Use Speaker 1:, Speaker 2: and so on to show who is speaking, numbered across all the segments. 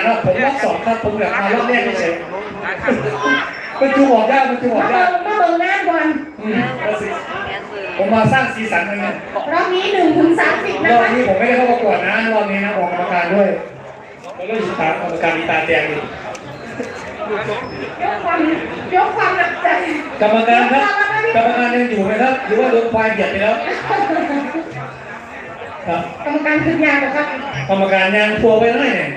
Speaker 1: แล้วผมรอบ2ครับผมอยากมารอบแรกเฉยมันจูออกยากมันจูออกยาก
Speaker 2: มาเบิ่งหน้าบอล
Speaker 1: ผมมาสร้างสีสันเลย
Speaker 2: รอบนี้1 ถึง 30นะ
Speaker 1: รอบ
Speaker 2: คะ
Speaker 1: นี้ผมไม่ได้เข้าประกวดนะรอบนี้นะออกกรรมการด้วยแล้วก็สุดท้ายกรรมการมีตาแดงอยู่
Speaker 2: ยกความหนักใจ
Speaker 1: กรรมการครับกรรมการยังอยู่ไหมครับหรือว่าโดนควายเบียดไปแล้วครับ
Speaker 2: กรรมการคือยาเหรอครับ
Speaker 1: กรรมการยังทัวร์ไปได้เนี่ย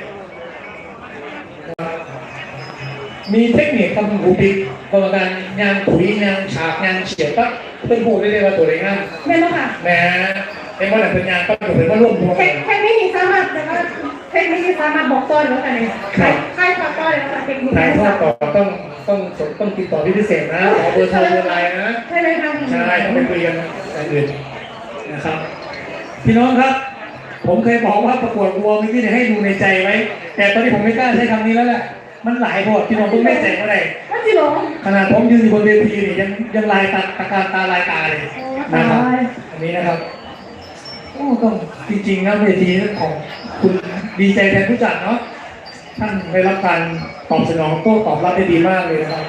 Speaker 1: มีเทคนิคทำหูปิดกรรมการยางถุยยางฉากยางเฉียดปั๊บเป็นหูได้เลยว่าตัวไหนง่าย
Speaker 2: แม่นค่ะ
Speaker 1: แหมเป็นว่าหลังเป็นยางก็อยู่เป็นว่าร่วมตัว
Speaker 2: แค่ไม่มีสามารถแต่ว่าเทคนิคสามารถบอกต้นแล้วกันเลยใครขอต้นแล้วกันเทคนิค
Speaker 1: ใครทอดต่อต้องติดต่อที่พิเศษนะขอเบอร์โทรเบอร์ไลน์นะ
Speaker 2: ใช่ไหมคะ
Speaker 1: ใช่ต้องไปคุยกันอย่างอื่นนะครับพี่น้องครับผมเคยบอกว่าประกวดวัวเมื่อกี้เนี่ยให้ดูในใจไว้แต่ตอนนี้ผมไม่กล้าใช้คำนี้แล้วแหละมันหลายบทพี่น้องต้องไม่แจกเท่าไหร่ขนาดผมยืนอยู่บนเวทีนี่ยังลายตาการตาลายตาเลยนะครับอันนี้นะครับโอ้ต้องจริงๆนะเวทีของคุณดีใจแทนผู้จัดเนาะท่านได้รับการตอบสนองโต้ตอบรับได้ดีมากเลยนะครับ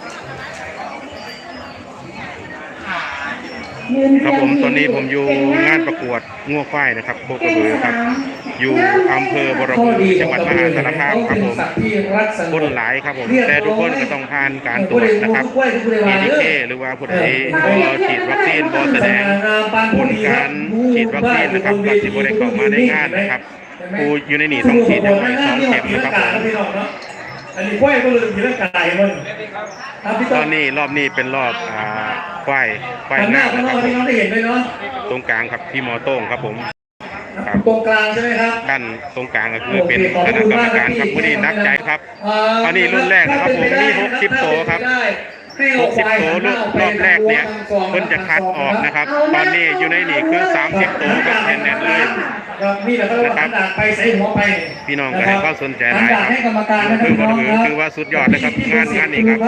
Speaker 3: ครับผมตอนนี้ผมอยู่งานประกวดงัวควายนะครับโคกระบือครับอยู่อำเภอบรบือจังหวัดมหาสารคามครับผมคนหลายครับผมแต่ทุกคนก็ต้องผ่านการตรวจนะครับPDK หรือว่าผู้ใดฉีดวัคซีนบอแสดงผลการฉีดวัคซีนนะครับก็จะบริเข้ามาในงานนะครับผู้อยู่ในนี่ต้องฉีดอย่างน้อย2 เข็มนะครับผม
Speaker 1: อันนี้ควายก็เลยมีร่างกายมัน
Speaker 3: ตอนนี้รอบนี้เป็นรอบควายงามนะครับตรงกลางครับพี่หมอโต้งครับผม
Speaker 1: ตรงกลางใช่ไหมครับ
Speaker 3: ด้านตรงกลางก็คือเป็นคณะกรรมการครับผู้นี้นักใจครับตอนนี้รุ่นแรกนะครับผมมี60 โตครับ60 โตรอบแรกเนี่ยเพิ่นจะคัดออกนะครับตอนนี้อยู่ในนี่คือ30 โตกับแน่นๆเลยนะครับพี่น้องก็ให้ความสนใจหลายครับคือว่าสุดยอดนะครับงานนี้ครับ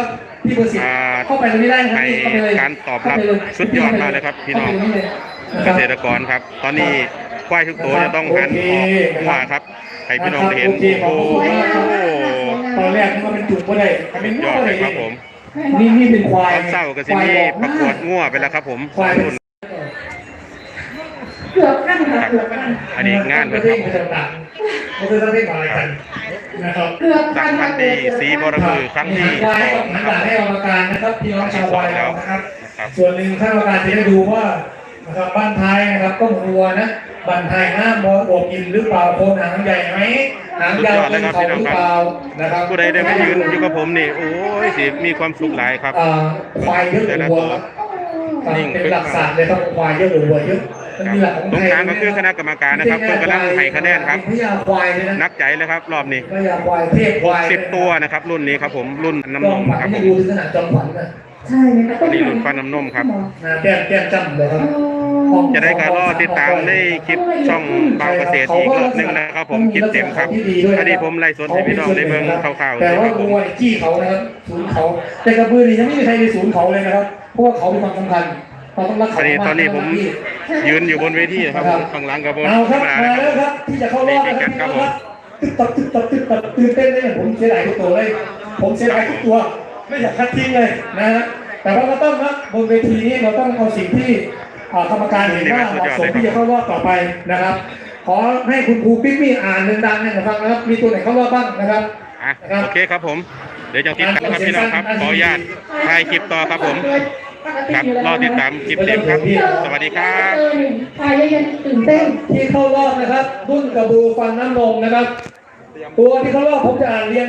Speaker 3: ให้การตอบรับสุดยอดมากเลยครับพี่น้องเกษตรกรครับตอนนี้ควายทุกตัวจะต้องหันออกว่าครับให้พี่น้องเห็นโอ้โห
Speaker 1: ตอนแรกมันเป็นจุดก็ได้
Speaker 3: ยอดเลยครับผม
Speaker 1: นี่เป็นควาย
Speaker 3: เศร้าก็จะมีประกวดงัวไปแล้วครับผม
Speaker 2: เกือบขั้นค่ะเกือบขั้น
Speaker 3: อันนี้งานเลยครับ
Speaker 1: ก็คือต้องเล่นอะไรกันนะครับ
Speaker 2: เกือบ
Speaker 3: ขั้นดีสีบรบือครั้งที่
Speaker 1: 2นะครับให้กรรมการนะครับพี่น้องชาววายแล้วนะครับส่วนหนึ่งท่านกรรมการจะได้ดูว่านะครับบ้านไทยนะครับก็หัวนะบ้านไทยห้ามบวกกินหรือเปล่าโคนหางใหญ่ไหมหางยาวเป็นเขาหรือเปล่านะครับ
Speaker 3: ผู้ใดได้มายืนอยู่กับผมนี่โอ้ยสิมีความสุขหลายครับ
Speaker 1: ควายเยอะหรือวัวเป็นหลักศาสตร์เลยต้องควายเยอะหรือวัวเยอะ
Speaker 3: ตรงกลางก็คือคณะกรรมการนะครับเพื่อกำลังให้คะแนนครับนักใจเลยครับรอบนี้60 ตัวนะครับรุ่นนี้ครับผมรุ่นน้ำนมครับผม
Speaker 2: ใช่ไหมครับ
Speaker 3: นี่รุ่นฟันน้ำนมครับ
Speaker 1: แก้มจำเลยครับ
Speaker 3: จะได้การรอติดตามในคลิปช่องบางเกษตรอีกรอบนึงนะครับผมคลิปเต็มครับอันนี้ผมไล่สดให้พี่น้องได้เบิ่งคร่าวๆ
Speaker 1: แต่ว่าวัวจี้เขานะครับศูนย์เขาแต่กระบือนี่ยังไม่มีใครในศูนย์เขาเลยนะครับเพราะว่าเขาเป็นความสำคัญเราต้องรักเขา
Speaker 3: ตอนนี้ผมยืนอยู่บนเวทีครับข้างหลังกับบน
Speaker 1: ธรรมดานะครับที่จะเข้ารอบนะครับตึ๊บตื่นเต้นเลยผมเสียดายทุกตัวเลยผมเสียดายทุกตัวไม่อยากคัดทิ้งเลยนะฮะแต่ว่าเราต้องนะบนเวทีนี้เราต้องเอาสิ่งที่กรรมการเห็นว่าเหมาะสมที่จะเข้ารอบต่อไปนะครับขอให้คุณครูปิ๊กมี่อ่านดังๆนะครับมีตัวไหนเข้ารอบบ้างนะครับ
Speaker 3: โอเคครับผมเดี๋ยวจะติดตามครับพี่น้องครับขออนุญาตถ่ายคลิปต่อครับผมครับรอติดตามคลิปเต็มครับสวัสดีครับ
Speaker 2: ถ่ายยังตื่นเต้น
Speaker 1: ที่เข้ารอบนะครับรุ่นกระบือฟันน้ำนมนะครับตัวที่เข้ารอบผมจะอ่านเรียง